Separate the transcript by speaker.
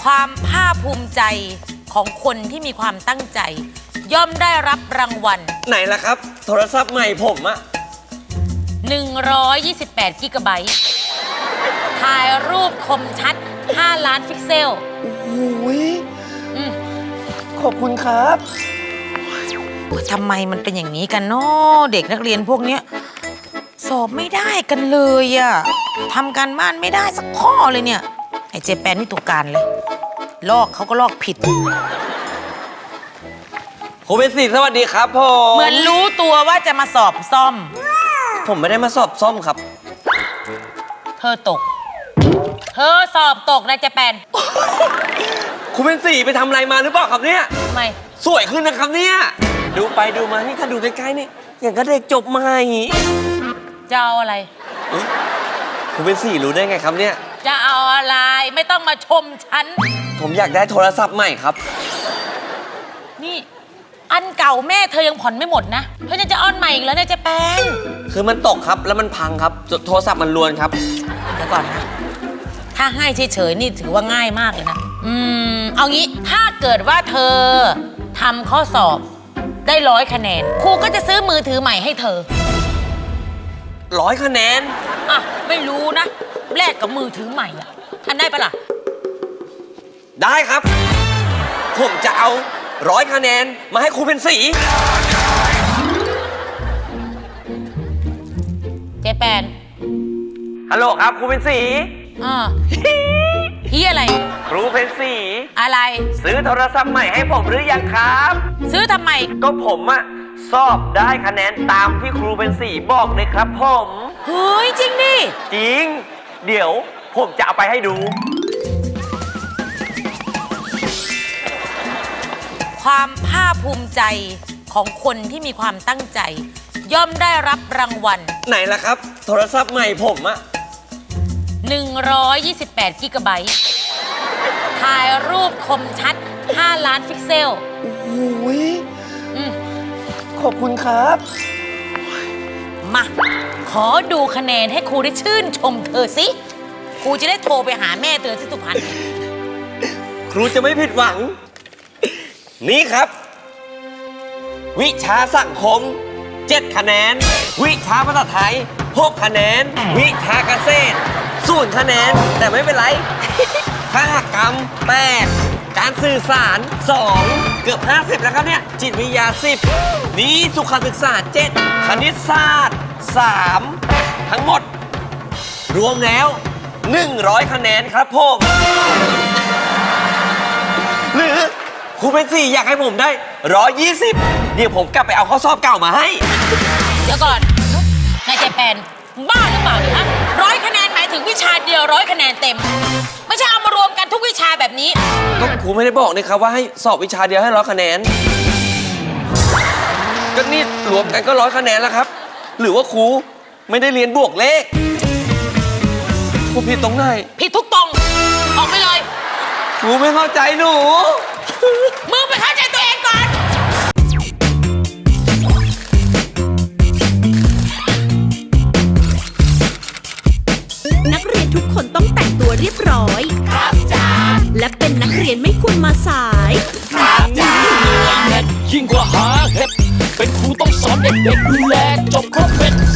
Speaker 1: ความภาคภูมิใจของคนที่มีความตั้งใจ ย่อมได้รับรางวัล
Speaker 2: ไหนล่ะครับโทรศัพท์ใหม่ผมอะ
Speaker 1: 128 กิกะไบต์ถ่ายรูปคมชัด 5 ล้านพิกเซล
Speaker 2: โอ้โหขอบคุณครับ
Speaker 1: ทำไมมันเป็นอย่างนี้กันเนาะเด็กนักเรียนพวกเนี้ยสอบไม่ได้กันเลยอะทำการบ้านไม่ได้สักข้อเลยเนี่ยไอ้เจแปนนี่ตัวการเลยลอกเขาก็ลอกผิด
Speaker 2: ครูเป็นศิษย์สวัสดีครับผม
Speaker 1: เหมือนรู้ตัวว่าจะมาสอบซ่อม
Speaker 2: ผมไม่ได้มาสอบซ่อมครับ
Speaker 1: เธอตกเธอสอบตกนะเจแปน
Speaker 2: ครูเป็นศิษย์ไปทำอะไรมาหรือเปล่าครับเนี่ย
Speaker 1: ทำไม
Speaker 2: สวยขึ้นนะครับเนี่ยดูไปดูมานี่ถ้าดูใกล้ๆนี่อย่างก็เด็กจบใหม่
Speaker 1: จะเอาอะไร
Speaker 2: ครูเป็นศิษย์รู้ได้ไงครับเนี่ย
Speaker 1: จะเอาอะไรไม่ต้องมาชมฉัน
Speaker 2: ผมอยากได้โทรศัพท์ใหม่ครับ
Speaker 1: นี่อันเก่าแม่เธอยังผ่อนไม่หมดนะเธอจะอ้อนใหม่อีกแล้วเนี่ยเจแปน
Speaker 2: คือมันตกครับแล้วมันพังครับโทรศัพท์มันรวนครับ
Speaker 1: เดี๋ยวก่อนนะถ้าให้เฉยๆนี่ถือว่าง่ายมากเลยนะเอางี้ถ้าเกิดว่าเธอทำข้อสอบได้100 คะแนนครูก็จะซื้อมือถือใหม่ให้เธอ
Speaker 2: 100 คะแนน
Speaker 1: อ่ะไม่รู้นะแลกกับมือถือใหม่อ่ะทันได้ปะล่ะ
Speaker 2: ได้ครับผมจะเอา100 คะแนนมาให้ครูเป็นศิษย์
Speaker 1: เจแปน
Speaker 2: ฮัลโหลครับครูเป็นศิษย์
Speaker 1: พี่อะไร
Speaker 2: ครูเป็นศิษย์
Speaker 1: อะไร
Speaker 2: ซื้อโทรศัพท์ใหม่ให้ผมหรือยังครับ
Speaker 1: ซื้อทำไม
Speaker 2: ก็ผมอะสอบได้คะแนนตามที่ครูเป็นศิษย์บอกเลยครับผม
Speaker 1: เฮ้ยจริงดิ
Speaker 2: จริงเดี๋ยวผมจะเอาไปให้ดู
Speaker 1: ความภาคภูมิใจของคนที่มีความตั้งใจ ย่อมได้รับรางวัล
Speaker 2: ไหนล่ะครับโทรศัพท์ใหม่ผมอะ
Speaker 1: 128 กิกะไบต์ถ่ายรูปคมชัด 5 ล้านพิกเซล
Speaker 2: โอ้โหขอบคุณครับ
Speaker 1: มาขอดูคะแนนให้ครูได้ชื่นชมเธอสิครูจะได้โทรไปหาแม่เธอที่สุพรรณ
Speaker 2: ครูจะไม่ผิดหวังนี่ครับวิชาสังคม7 คะแนนวิชาภาษาไทย6 คะแนนวิชาเกษตร0 คะแนนแต่ไม่เป็นไรคหกรรม8การสื่อสาร2เกือบ50แล้วครับเนี่ยจิตวิทยา10นี้สุขศึกษา7คณิตศาสตร์3ทั้งหมดรวมแล้ว100 คะแนนครับผมหรือครูเป็นศิษย์อยากให้ผมได้120เดี๋ยวผมกลับไปเอาข้อสอบเก่ามาให้
Speaker 1: เดี๋ยวก่อนนายเจแปนบ้าหรือเปล่าเนี่ยฮะ100 คะแนนหมายถึงวิชาเดียว100 คะแนนเต็มไม่ใช่เอามารวมกันทุกวิชาแบบนี้
Speaker 2: ก็ครูไม่ได้บอกนี่ครับว่าให้สอบวิชาเดียวให้100 คะแนนก็นี่รวมกันก็100 คะแนนแล้วครับหรือว่าครูไม่ได้เรียนบวกเลขครูผิดตรงไหน
Speaker 1: ผิดทุกตรงออกไปเลย
Speaker 2: ครูไม่เข้าใจหนู
Speaker 1: มึงไปเข้าใจตัวเองก่อน
Speaker 3: นักเรียนทุกคนต้องแต่งตัวเรียบร้อยครับจ้าและเป็นนักเรียนไม่ควรมาสาย
Speaker 4: ครับจ้ายิ่งกว่าหาเห็ดเป็นครูต้องสอนเด็กๆดูแลจบครบเป็น